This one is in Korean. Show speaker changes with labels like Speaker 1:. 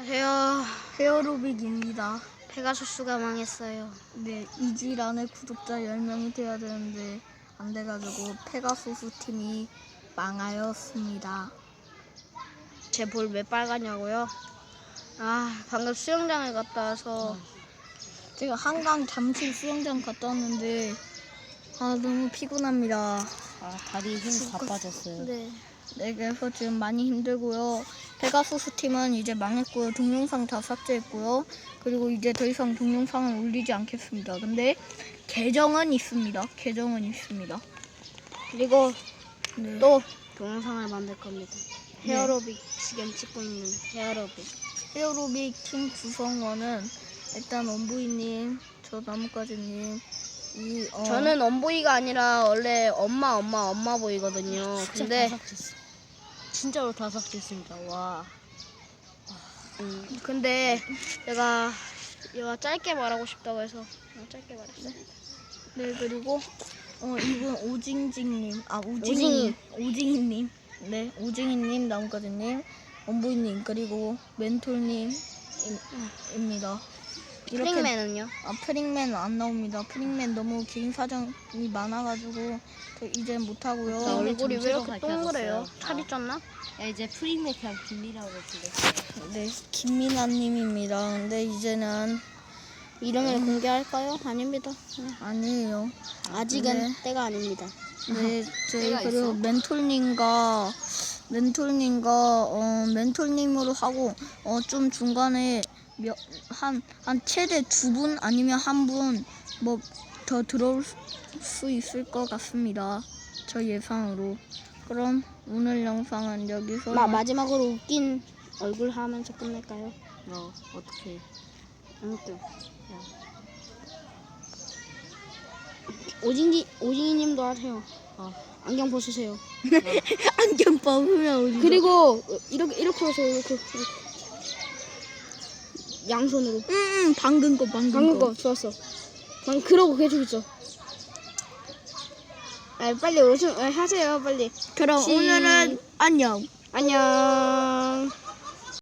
Speaker 1: 안녕하세요.
Speaker 2: 헤어로빅입니다.
Speaker 1: 페가수스가 망했어요.
Speaker 2: 네, 이지란에 구독자 10명이 돼야 되는데 안 돼가지고 페가수스 팀이 망하였습니다.
Speaker 1: 제 볼 왜 빨갛냐고요? 방금 수영장에 갔다 와서
Speaker 2: 제가 한강 잠실 수영장 갔다 왔는데 너무 피곤합니다.
Speaker 3: 다리 힘 다 빠졌어요.
Speaker 2: 네, 그래서 지금 많이 힘들고요. 페가수스 팀은 이제 망했고요. 동영상 다 삭제했고요. 그리고 이제 더 이상 동영상을 올리지 않겠습니다. 근데 계정은 있습니다.
Speaker 1: 그리고
Speaker 2: 네.
Speaker 1: 또 동영상을 만들 겁니다. 헤어로빅 지금 찍고 있는 헤어로빅.
Speaker 2: 헤어로빅 팀 구성원은 일단 원부이님, 저 나뭇가지님,
Speaker 1: 저는 엄보이가 아니라 원래 엄마 보이거든요. 근데
Speaker 3: 진짜로 다 삭제했습니다. 와.
Speaker 1: 근데 제가 짧게 말하고 싶다고 해서 짧게 말했어요.
Speaker 2: 네, 그리고 이분 오징징님,
Speaker 1: 오징이.
Speaker 2: 오징이님, 네, 오징이님, 나뭇가지님, 원부이님, 그리고 멘톨님입니다.
Speaker 1: 프링맨은요?
Speaker 2: 프링맨 안 나옵니다. 프링맨 너무 긴 사정이 많아가지고 저 이제 못하고요.
Speaker 1: 나 얼굴이 왜 이렇게
Speaker 3: 정체가
Speaker 1: 동그래요?
Speaker 3: 밝혀졌어요.
Speaker 1: 살이 쪘나?
Speaker 3: 야, 이제 프링맥 그냥 빌리라고 불렀어요.
Speaker 2: 네, 김민아님입니다. 근데 이제는
Speaker 1: 이름을 공개할까요? 아닙니다.
Speaker 2: 아니에요.
Speaker 1: 아직은
Speaker 2: 네.
Speaker 1: 때가 아닙니다.
Speaker 2: 네, 저희
Speaker 3: 때가
Speaker 2: 그리고
Speaker 3: 있어?
Speaker 2: 멘톨님으로 하고 좀 중간에 한 최대 2분 아니면 1분 뭐 더 들어올 수 있을 것 같습니다. 저 예상으로. 그럼 오늘 영상은 여기서
Speaker 1: 마지막으로 웃긴 얼굴 하면서 끝낼까요?
Speaker 3: 어떻게?
Speaker 1: 아무튼 오징이님도 하세요. 안경 벗으세요.
Speaker 2: 안경 뽑으면 오지.
Speaker 1: 그리고 이렇게 하세요. 이렇게. 양손으로.
Speaker 2: 방금 거.
Speaker 1: 방금 거 좋았어. 그러고 계속 있어. 빨리 하세요. 빨리.
Speaker 2: 그럼 오늘은 안녕.
Speaker 1: 안녕.